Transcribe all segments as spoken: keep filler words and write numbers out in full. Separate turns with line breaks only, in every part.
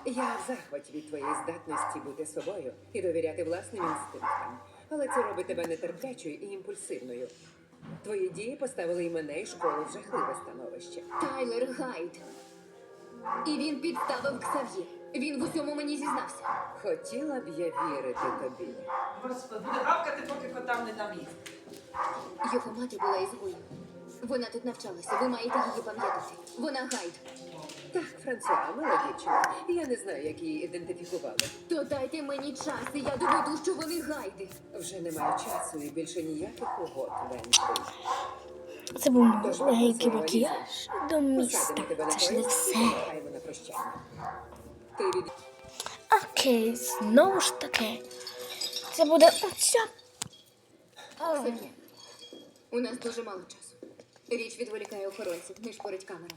Я в захваті від твоєї здатності бути собою і довіряти власним інстинктам. Але це робить тебе нетерплячою і імпульсивною. Твої дії поставили і мене, і школу в жахливе становище.
Тайлер Гайд. І він підставив Ксав'є. Він в усьому мені зізнався.
Хотіла б я вірити тобі.
Господи, буде гавкати, поки котам не дам їсти.
Його мати була ізгоєм. Вона тут навчалася, ви маєте її пам'ятати. Вона Гайд.
Так, Франсуа, мила дівчина. Я не знаю, як її ідентифікували.
То дайте мені час, і я доведу, що вони Гайди.
Вже немає часу і більше ніяких угод, Венслі.
Це був легенький макіяж до міста.
Посадимо тебе на
Це ж не
поїзд і
все.
помахаємо на прощання. Ти від...
Окей, знову ж таки. Це буде оця.
Ксав'є, у нас дуже мало часу. Річ відволікає охоронців, не шпорить камерами.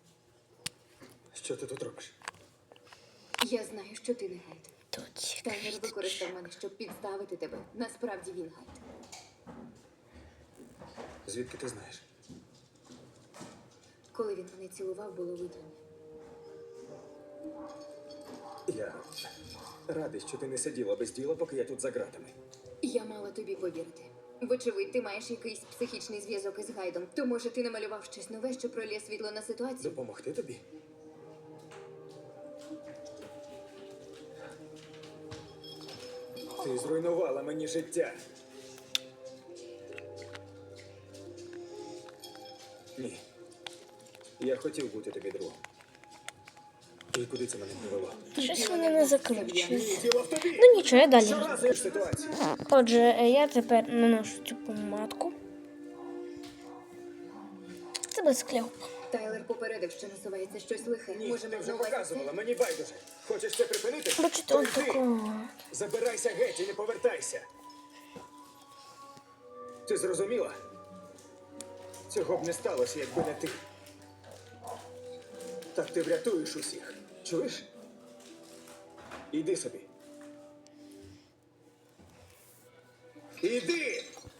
Що ти тут робиш?
Я знаю, що ти не Гайд.
Тут
Тайлер використав мене, щоб підставити тебе. Насправді він Гайд.
Звідки ти знаєш?
Коли він мене цілував, було видіння.
Я радий, що ти не сиділа без діла, поки я тут за ґратами.
Я мала тобі повірити. Вочевидь, ти маєш якийсь психічний зв'язок із Гайдом. То, може, ти намалював щось нове, що пролє світло на ситуацію?
Допомогти тобі? Ти зруйнувала мені життя. Ні. Я хотів бути тобі другом. І куди це мене привело?
щось вони не закручують.
Діло в тобі!
Ну нічого, я далі.
Щоразу ж ситуацію.
Отже, я тепер наношу цю помадку. Це без кльопу.
Тайлер попередив, що насувається щось лихе.
Ні,
Може,
ти
ми
вже
знову
показувала, мені байдуже. Хочеш це припинити?
Бачите,
То
он
йди.
такого.
Забирайся геть і не повертайся. Ти зрозуміла? Цього б не сталося, якби не ти. Так ти врятуєш усіх. Чуєш? Іди собі. Іди!